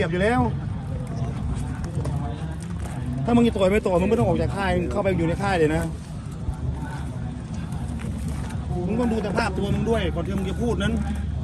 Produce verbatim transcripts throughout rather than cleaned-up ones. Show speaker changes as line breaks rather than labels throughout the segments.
เก็บอยู่แล้วถ้ามึงจะต่อยไม่ต่อยมึงไม่ต้องออกจากค่ายเข้าไปอยู่ในค่ายเลยนะมึงต้องดูสภาพตัวมึงด้วยก่อนที่มึงจะพูดนั้น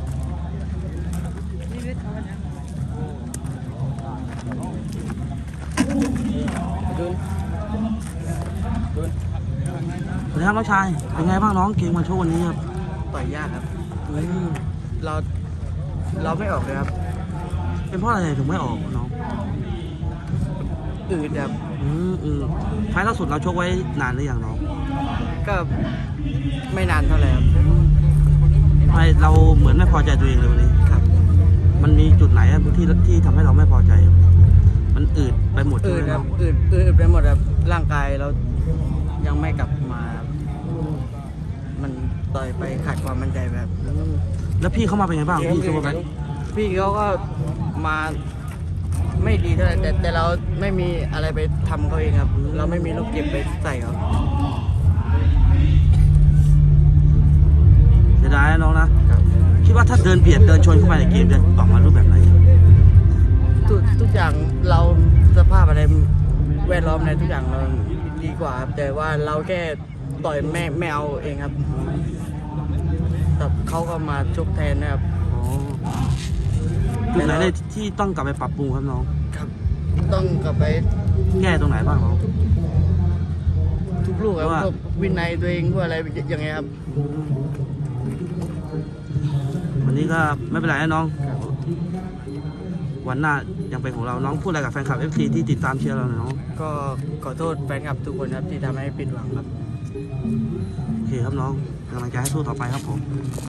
สวัสดีครับน้องชายเป็นไงบ้างน้องเกมมาโชว์วันนี้ครับ
ต่อยยากครับเราเราไม่ออกเลยครับ
เป็นเพราะอะไรถึงไม่ออกน้อง
อืดครับ
อืมอืมไฟล์ล่าสุดเราชกไว้นานหรือยังน้อง
ก็ไม่นานเท่าไหร่ครับ
ไฟล์เราเหมือนไม่พอใจตัวเองเลยวันนี้
ครับ
มันมีจุดไหนอะที่ที่ทำให้เราไม่พอใจ มันอืดไปหมด
อืด
ใช่ไหม
ค
น้
รั
อบ ง
อืดอืดไปหมดครับร่างกายเรายังไม่กลับมาครับมันต่อยไปขาดความมั่นใจแบบ
แล้วพี่เข้ามาเป็นไงบ้างพี่ซูเปอร์แบงค์
พี่เขาก็มาไม่ดีเท่าไหร่แต่แต่เราไม่มีอะไรไปทำเขาเองครับ เราไม่มีลูกเก็บไปใส่เขา
เสียดายนะน้องนะครับ คิดว่าถ้าเดินเบียดเดินชนเข้าไปในเกมจะออกมารูปแบบไหน
ทุกทุกอย่างเราสภาพอะไรแวดล้อมในทุกอย่างเราดีกว่าครับแต่ว่าเราแค่ต่อยไม่ไม่เอาเองครับแต่เขาก็มาชกแทนนะครับ
อ๋อจุดไหนเลยที่ต้องกลับไปปรับปรุงครับน้อง
ครับ ต้องกลับไป
แก้ตรงไหนบ้างน้อง
ทุกลูกครับ
ว่า
พวกวินัยตัวเองพวกอะไรอย่างเงี้ยครับ
วันนี้ก็ไม่เป็นไรนะน้อง วันหน้ายังเป็นของเราน้องพูดอะไรกับแฟนคลับ เอฟ ซี ที่ติดตามเชียร์เราหน่อยน้อง
ก็ขอโทษแฟนคลับทุกคนครับที่ทำให้ผิดหวังครับ
โอเคครับน้องกำลังใจให้สู้ต่อไปครับผม